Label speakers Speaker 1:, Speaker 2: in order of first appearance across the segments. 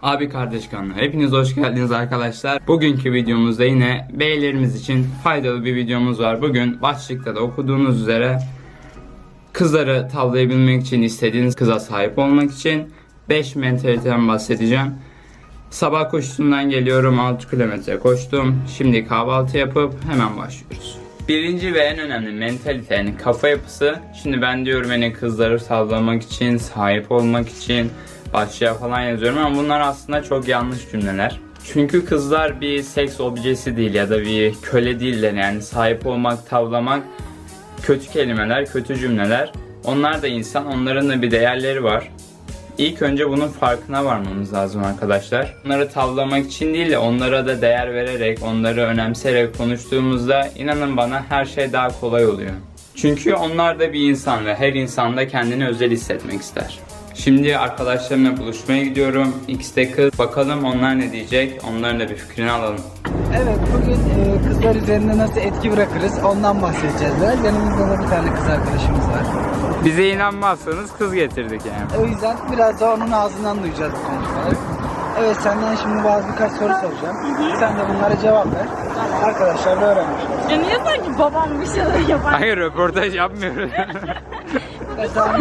Speaker 1: Abi kardeş kanalına hepiniz hoş geldiniz arkadaşlar. Bugünkü videomuzda yine beylerimiz için faydalı bir videomuz var. Bugün başlıkta da okuduğunuz üzere kızları tavlayabilmek için, istediğiniz kıza sahip olmak için 5 mentaliteden bahsedeceğim. Sabah koşusundan geliyorum, 6 kilometre koştum. Şimdi kahvaltı yapıp hemen başlıyoruz. Birinci ve en önemli mentalite, yani kafa yapısı. Şimdi ben diyorum hani kızları tavlamak için, sahip olmak için başlığa falan yazıyorum ama bunlar aslında çok yanlış cümleler. Çünkü kızlar bir seks objesi değil ya da bir köle değiller, yani sahip olmak, tavlamak kötü kelimeler, kötü cümleler. Onlar da insan, onların da bir değerleri var. İlk önce bunun farkına varmamız lazım arkadaşlar. Onları tavlamak için değil de onlara da değer vererek, onları önemseyerek konuştuğumuzda inanın bana her şey daha kolay oluyor. Çünkü onlar da bir insan ve her insan da kendini özel hissetmek ister. Şimdi arkadaşlarımla buluşmaya gidiyorum. İkisi de kız. Bakalım onlar ne diyecek? Onların da bir fikrini alalım.
Speaker 2: Evet, bugün kızlar üzerinde nasıl etki bırakırız ondan bahsedeceğiz biraz. Yanımızda da bir tane kız arkadaşımız var.
Speaker 1: Bize inanmazsanız kız getirdik yani.
Speaker 2: O yüzden biraz da onun ağzından duyacağız bu konuşmaları. Evet, senden şimdi birkaç soru soracağım. Sen de bunlara cevap ver. Arkadaşlar da öğrenmiş olsun.
Speaker 3: Ya niye sanki babam bir şeyler yapar?
Speaker 1: Hayır, röportaj yapmıyoruz.
Speaker 2: Mesela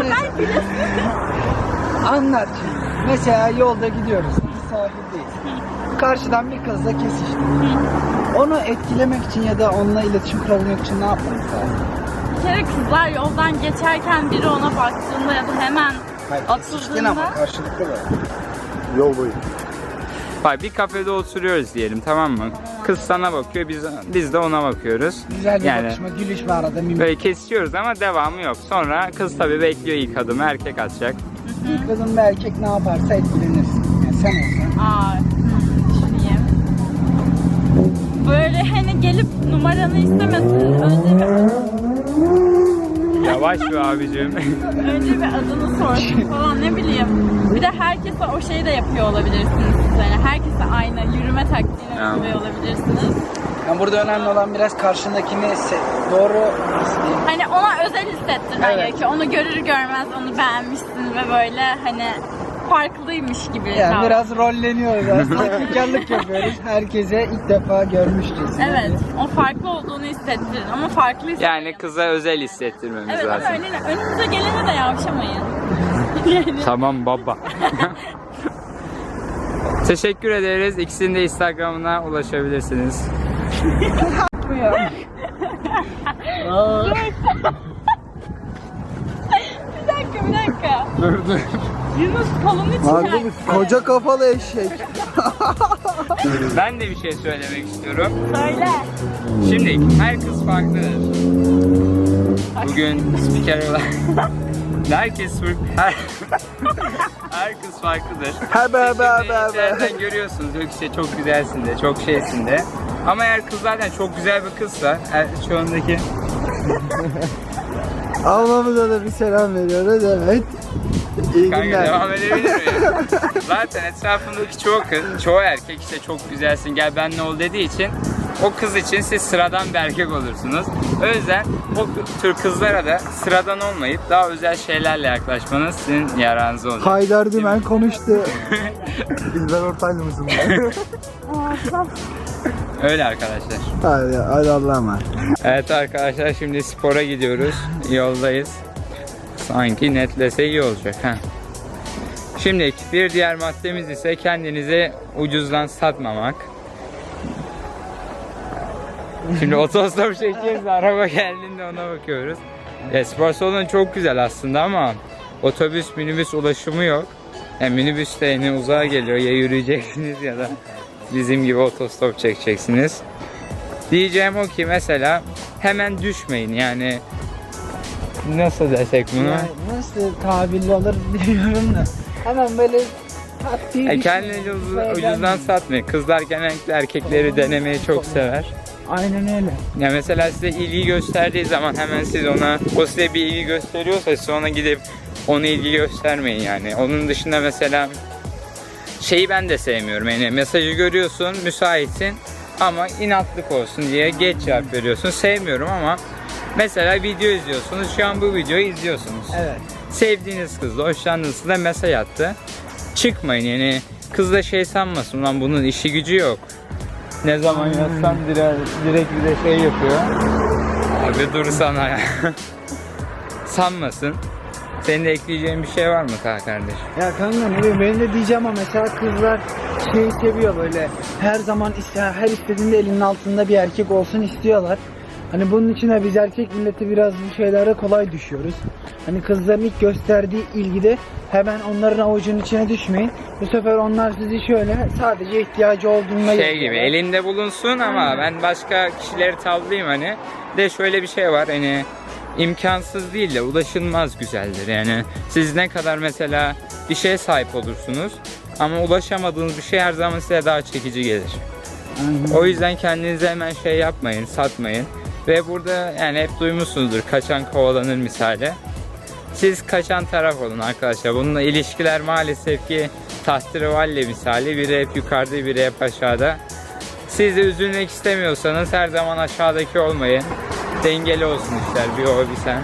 Speaker 2: anlat şimdi. Mesela yolda gidiyoruz. Biz sahildeyiz. Karşıdan bir kızla kesiştik. Onu etkilemek için ya da onunla iletişim kurabilmek için ne yapmamız lazım?
Speaker 3: Bir kere kızlar yoldan geçerken biri ona baktığında ya da hemen
Speaker 2: Kesiştin ama
Speaker 3: atıldığında
Speaker 2: karşılıklı da.
Speaker 4: Yol boyu.
Speaker 1: Bak, bir kafede oturuyoruz diyelim, tamam mı? Kız sana bakıyor, biz de ona bakıyoruz.
Speaker 2: Güzel bir
Speaker 1: Yani
Speaker 2: bakışma, gülüşme arada mimik.
Speaker 1: böyle kesiyoruz ama devamı yok. Sonra kız tabii bekliyor ilk adımı, erkek atacak.
Speaker 2: Bir kadın bir erkek ne yaparsa etkilenirsin. Yani sen olsan.
Speaker 3: düşüneyim. Böyle hani gelip numaranı istemesin.
Speaker 1: Yavaş be abicim.
Speaker 3: Önce bir adını sorsun falan, ne bileyim. Bir de herkese o şeyi de yapıyor olabilirsiniz siz. Yani herkese aynı yürüme taktiğini uyguluyor olabilirsiniz.
Speaker 2: Yani burada önemli olan biraz karşındakini doğru nasıl diyeyim?
Speaker 3: Hani ona özel hissettirmen
Speaker 2: Evet.
Speaker 3: gerekiyor. Onu görür görmez onu beğenmişsin ve böyle hani farklıymış gibi.
Speaker 2: Yani
Speaker 3: davran.
Speaker 2: biraz rolleniyoruz aslında. Sahtekarlık yapıyoruz. Herkese ilk defa görmüşçesine.
Speaker 3: Evet, o farklı olduğunu hissettirin ama farklı hissettirin.
Speaker 1: Yani kıza özel hissettirmemiz
Speaker 3: Evet, ama
Speaker 1: lazım.
Speaker 3: önünüze gelene de yavşamayın. Yani.
Speaker 1: Tamam baba. Teşekkür ederiz. İkisinin de Instagram'ına ulaşabilirsiniz.
Speaker 3: Bir dakika.
Speaker 1: Dur.
Speaker 3: Yunus kolunu çıkar.
Speaker 2: Koca kafalı eşek.
Speaker 1: Ben de bir şey söylemek istiyorum.
Speaker 3: Söyle.
Speaker 1: Şimdi her kız farklıdır. Bugün spiker olan her kız farklıdır. Zaten görüyorsunuz, yok işte çok güzelsin de, çok şeysin de. Ama eğer kız zaten çok güzel bir kızsa, şu andaki
Speaker 2: Ablamıza da bir selam veriyoruz, evet. İyi
Speaker 1: kanka
Speaker 2: günler.
Speaker 1: devam edebilir miyim? Zaten etrafındaki çoğu erkek işte çok güzelsin, gel benimle ol dediği için o kız için siz sıradan bir erkek olursunuz. O yüzden o tür kızlara da sıradan olmayıp daha özel şeylerle yaklaşmanız sizin yararınıza olur.
Speaker 2: Haydar Dümen konuştu.
Speaker 4: İlber Ortaylı mısın?
Speaker 1: Öyle arkadaşlar.
Speaker 2: Hadi Allah'a emanet.
Speaker 1: Evet arkadaşlar, şimdi spora gidiyoruz. Yoldayız. Sanki netlese iyi olacak. Şimdi bir diğer maddemiz ise kendinizi ucuzdan satmamak. Şimdi otostop çekiyoruz, araba geldiğinde ona bakıyoruz. Spor salonu çok güzel aslında ama otobüs, minibüs ulaşımı yok. Yani minibüs de yine uzağa geliyor, ya yürüyeceksiniz ya da bizim gibi otostop çekeceksiniz. Diyeceğim o ki mesela hemen düşmeyin, yani nasıl desek bunu?
Speaker 2: Yani nasıl tabirli olur bilmiyorum da. Hemen böyle taktiği
Speaker 1: Kendini ucuzdan satmayın. Kızlar genellikle erkekleri denemeyi çok sever.
Speaker 2: Aynen öyle.
Speaker 1: Ya mesela size ilgi gösterdiği zaman hemen siz ona, o size bir ilgi gösteriyorsa siz ona gidip ona ilgi göstermeyin yani. Onun dışında mesela şeyi ben de sevmiyorum, yani mesajı görüyorsun, müsaitsin ama inatlık olsun diye geç cevap veriyorsun. Sevmiyorum ama mesela video izliyorsunuz, şu an bu videoyu izliyorsunuz.
Speaker 2: Evet.
Speaker 1: Sevdiğiniz kızla, hoşlandığınız kızla mesaj attı. Çıkmayın yani, Kız da şey sanmasın, ulan bunun işi gücü yok. Ne zaman yazsam direkt bir de şey yapıyor. Abi dur sana ya. Sanmasın. Senin de ekleyeceğin bir şey var mı kardeş?
Speaker 2: Ya kanka ne bileyim, benim de diyeceğim ama mesela kızlar şeyi seviyor böyle. Her zaman her istediğinde elinin altında bir erkek olsun istiyorlar. Hani bunun için de biz erkek milleti biraz bu şeylere kolay düşüyoruz. Hani kızların ilk gösterdiği ilgide hemen onların avucunun içine düşmeyin. Bu sefer onlar sizi şöyle sadece ihtiyacı olduğunda
Speaker 1: Şey gibi elinde bulunsun ama ben başka kişileri tavlayayım hani. De şöyle bir şey var hani, imkansız değil de ulaşılmaz güzeldir yani. Siz ne kadar mesela bir şeye sahip olursunuz ama ulaşamadığınız bir şey her zaman size daha çekici gelir. O yüzden kendinize hemen şey yapmayın, satmayın. Ve burada yani hep duymuşsunuzdur, kaçan kovalanır misali. Siz kaçan taraf olun arkadaşlar. Bununla ilişkiler maalesef ki tahterevalli misali. Biri hep yukarıda, biri hep aşağıda. Siz de üzülmek istemiyorsanız her zaman aşağıdaki olmayın. Dengeli olsun işler. Bir o bir sen.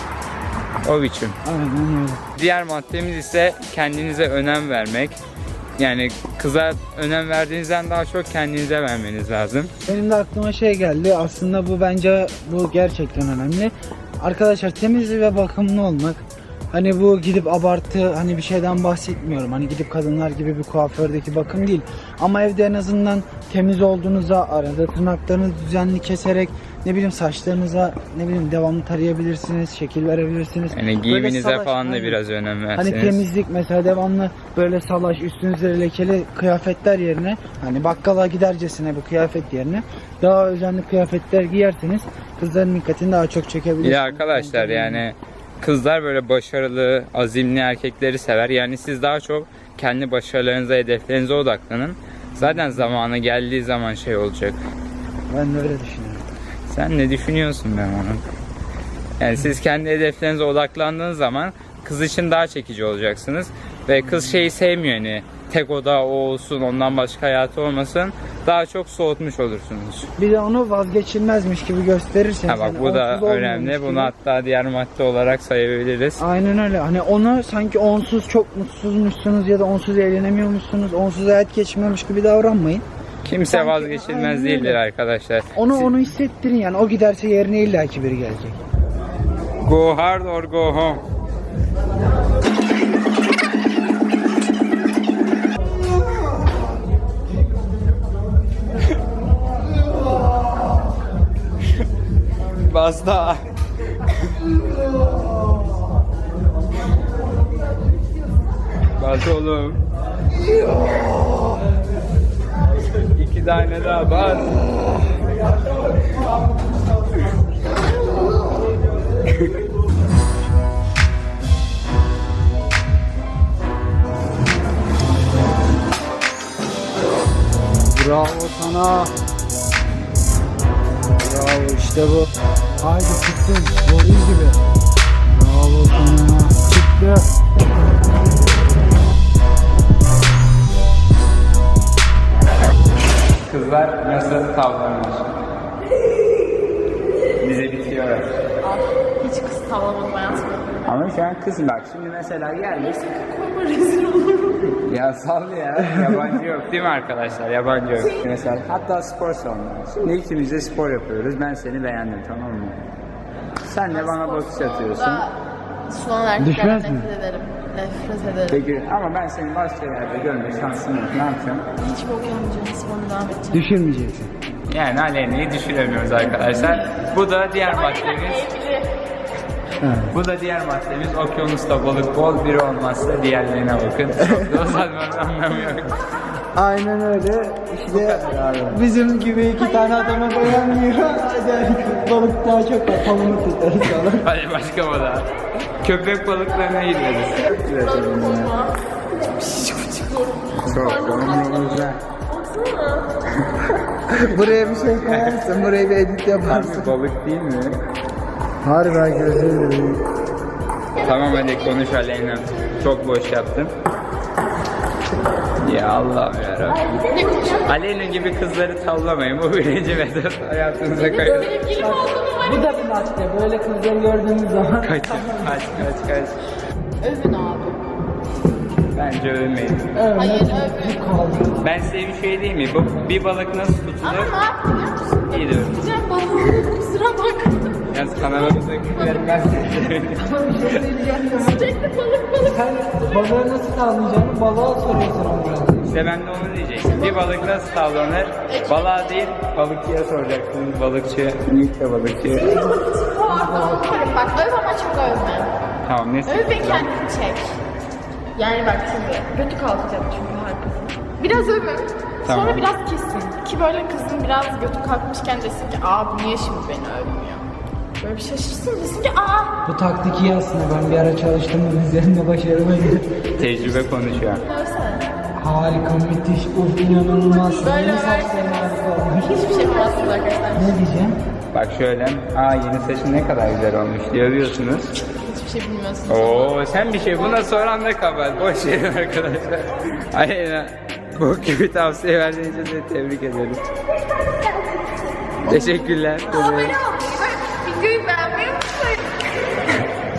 Speaker 1: O biçim.
Speaker 2: Aynen öyle.
Speaker 1: Diğer maddemiz ise kendinize önem vermek. Yani kıza önem verdiğinizden daha çok kendinize vermeniz lazım.
Speaker 2: Benim de aklıma şey geldi. Aslında bu bence gerçekten önemli. Arkadaşlar temizli ve bakımlı olmak. Hani bu gidip abartı hani bir şeyden bahsetmiyorum. Hani gidip kadınlar gibi bir kuafördeki bakım değil. Ama evde en azından temiz olduğunuza, arada tırnaklarınızı düzenli keserek, ne bileyim saçlarınıza ne bileyim devamlı tarayabilirsiniz, şekil verebilirsiniz.
Speaker 1: Yani giyiminize falan da biraz önem verseniz.
Speaker 2: Hani temizlik mesela devamlı böyle salaş, üstünüzde lekeli kıyafetler yerine, hani bakkala gidercesine bu kıyafet yerine daha özenli kıyafetler giyerseniz kızların dikkatini daha çok çekebilirsiniz.
Speaker 1: Bir de arkadaşlar yani kızlar böyle başarılı, azimli erkekleri sever. Yani siz daha çok kendi başarılarınıza, hedeflerinize odaklanın. Zaten zamanı geldiği zaman şey olacak.
Speaker 2: Ben de öyle düşünüyorum.
Speaker 1: Sen ne düşünüyorsun ben onu? Yani siz kendi hedeflerinize odaklandığınız zaman kız için daha çekici olacaksınız. Ve kız şeyi sevmiyor hani, tek oda o olsun, ondan başka hayatı olmasın. Daha çok soğutmuş olursunuz.
Speaker 2: Bir de onu vazgeçilmezmiş gibi gösterirseniz.
Speaker 1: Ha bak bu da önemli. Bunu hatta diğer madde olarak sayabiliriz.
Speaker 2: Aynen öyle. Hani onu sanki onsuz çok mutsuzmuşsunuz ya da onsuz eğlenemiyormuşsunuz, onsuz hayat geçmiyormuş gibi davranmayın.
Speaker 1: Kimse
Speaker 2: Sanki,
Speaker 1: vazgeçilmez
Speaker 2: aynen
Speaker 1: değildir
Speaker 2: öyle.
Speaker 1: arkadaşlar.
Speaker 2: Onu hissettirin yani. O giderse yerine illaki biri gelecek.
Speaker 1: Go hard or go home. Basta. Bas oğlum. 2 tane daha bas.
Speaker 2: Bravo sana. Bravo işte bu. Haydi çıktın. Goril gibi. Bravo sana. Çıktı.
Speaker 1: Kızlar nasıl tavlanmış? Bize bitiyor.
Speaker 3: Hiç kız tavlamadım hayatımda.
Speaker 1: Ama şu an kız bak şimdi mesela geldik.
Speaker 3: Korkma rezil olurum.
Speaker 1: Ya sal ya, yabancı yok değil mi arkadaşlar? Yabancı yok. Mesela hatta spor salonu. Şimdi ikimiz de spor yapıyoruz. Ben seni beğendim, tamam mı? Sen de bana bakış atıyorsun.
Speaker 3: Sunan erkeklerden
Speaker 2: Düşmez mi?
Speaker 3: nefret ederim. Nefret ederim.
Speaker 1: Peki ama ben seni başka yerde görme şansım yok. Ne yapacağım?
Speaker 3: Hiç bok yapmayacağım. Sporuna devam edeceğim.
Speaker 2: Düşürmeyeceksin.
Speaker 1: Yani Aleyna'yı düşüremiyoruz arkadaşlar. Bu da diğer maddemiz. Bu da diğer maddemiz. Okyanusta balık bol, biri olmazsa diğerlerine bakın. Çok da uzatmanın anlamı yok.
Speaker 2: Aynen öyle. İşte bizim gibi 2 tane adama beğenmiyor. Balık daha çok var. Palımı tutarız falan.
Speaker 1: Hadi başka balığa. Köpek balıklarına gideriz. Çok güzel.
Speaker 2: Buraya bir şey koyarsın. Buraya bir edit yaparsın.
Speaker 1: Harbi balık değil mi?
Speaker 2: Harbi gözüm.
Speaker 1: Tamam hadi konuş Aleyna. Çok boş yaptın. Ya Allah'ım yarabbim. Aleyna gibi kızları tavlamayın. Bu birinci metot hayatınıza kayın.
Speaker 2: Bu da bir madde. Böyle kızları gördüğünüz zaman.
Speaker 1: Kaç.
Speaker 3: Övün abi.
Speaker 1: Bence övmeyin.
Speaker 3: Hayır,
Speaker 1: Ben size bir şey diyeyim mi? Bu bir balık nasıl tutulur? İyi diyorum.
Speaker 3: Güzel balığı kusura bakma.
Speaker 1: Yalnız kanalımıza vermezsiniz.
Speaker 3: Sürekli balık.
Speaker 2: Sen balığı nasıl tavlayacağını balığa soruyorsun ama.
Speaker 1: İşte ben de onu diyecektim. Bir balık nasıl tavlanır? Balığa değil, balıkçıya soracaksınız. Balıkçı, büyük de balıkçı.
Speaker 3: Bak öv ama çok övme.
Speaker 1: Tamam, neyse.
Speaker 3: Öv ve kendini çek. Yani bak şimdi götü kalkacak çünkü herkesin. Biraz övün.
Speaker 1: Tamam.
Speaker 3: Sonra biraz kesin. Ki böyle kızın biraz götü kalkmışken desin ki bu niye şimdi beni övmüyor? Böyle bir şaşırsın desin ki
Speaker 2: Bu taktik iyi aslında, ben bir ara çalıştım bunun üzerinde başarılıydı.
Speaker 1: Tecrübe konuşuyor.
Speaker 3: övsene.
Speaker 2: Harika, müthiş, uf, inanılmaz.
Speaker 3: Böyle
Speaker 2: Yeni
Speaker 3: översin.
Speaker 2: saçların harika olmuş.
Speaker 3: Hiçbir şey yapamazsınız arkadaşlar.
Speaker 2: Ne diyeceğim?
Speaker 1: Bak şöyle, yeni saçın ne kadar güzel olmuş diye övüyorsunuz.
Speaker 3: Hiçbir şey bilmiyorsunuz.
Speaker 1: Oo, sen bir şey buna soran da kabahat. Boş verin arkadaşlar. Aynen. Bu gibi tavsiye verdiğiniz için de tebrik ederiz. Teşekkürler.
Speaker 3: Abone olmayı ve videoyu beğenmeyi unutmayın.